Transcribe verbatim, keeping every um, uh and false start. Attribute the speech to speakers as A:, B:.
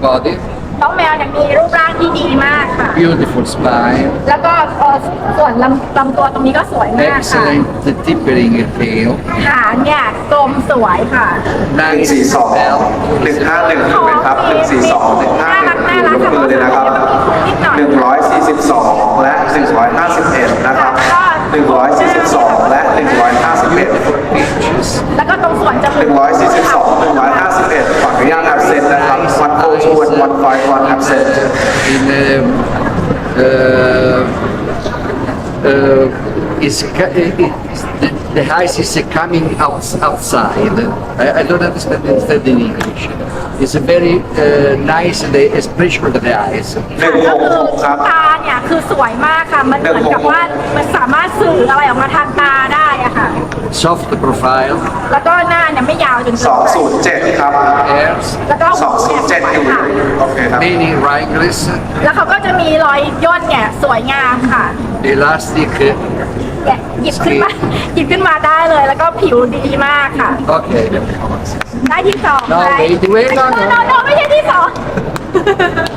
A: body,
B: น้องแมวเนี่ยมีรูปร่างที่ดีมากค่ะ
A: beautiful spine,
B: แล้วก็เอ่อส่วนลำลำตัวตรงนี้ก็สวยมากค่ะ
A: excellent tapering tail,
B: หางเนี่ยกลมสวยค่ะ
C: หนึ่ง
A: nice
C: สี่สอง
A: belt,
C: หนึ่งห้าหนึ่งถูกไหมครับหนึ่งสี่สองหนึ่งห้าหนึ่ง
B: น่า
C: อยู่
B: รัก
C: ยกมือเลยนะครับ
B: นิดหน่อย
C: หนึ่งร้อยสี่สิบสองและหนึ่งร้อยห้าสิบเอ็ดนะครับหนึ่งร้อยสี่สิบสองและหนึ่งร้อยห้าสิบเอ็ด
A: inches,
B: แล้วก็ตรงส่วนจ
C: ห
B: มู
C: นึ่งร้อยสี่สิบสองหนึ่งร้อยห้าสิบเอ็ดขออนุญาต absent นะครับ one oh two and one five one absent
A: in um, uh, uh, is ca- is the, the eyes is coming out, outside. I, I don't understand understand in English. It's a very uh, nice the expression of the eyes.
C: หนึ่งห
B: ก็
C: ก
B: คือ
C: หกครับ
B: ตาเนี่ยคือสวยมากค่ะ มันเหมือนกับว่ามันสามารถสื่ออะไรออกมาทางตาได้อะค่ะ
A: Soft profile,
B: แล้วก็หน้าเนี่ยไม่ยาวจนเกิน
C: สอง
B: ไป
C: ศูนย์เจ็ดครับ
A: hairs,
B: แล้วก็
C: สองศูนย์เจ็ดอยู่
B: ค่ะ
C: โอเคครับ
A: many wrinkles,
B: แล้วเขาก็จะมีรอยย่นเนี่ยสวยงามค่ะ
A: elastic.
B: เนี่ยหยิบขึ้นมาหยิบขึ้นมาได้เลย แล้วก็ผิวดีมากค่ะ
A: Okay.
B: ได้ที่สอง
A: No,
B: ไหม
A: wait, wait, no, no.
B: โนโนไม่ใช่ที่สอง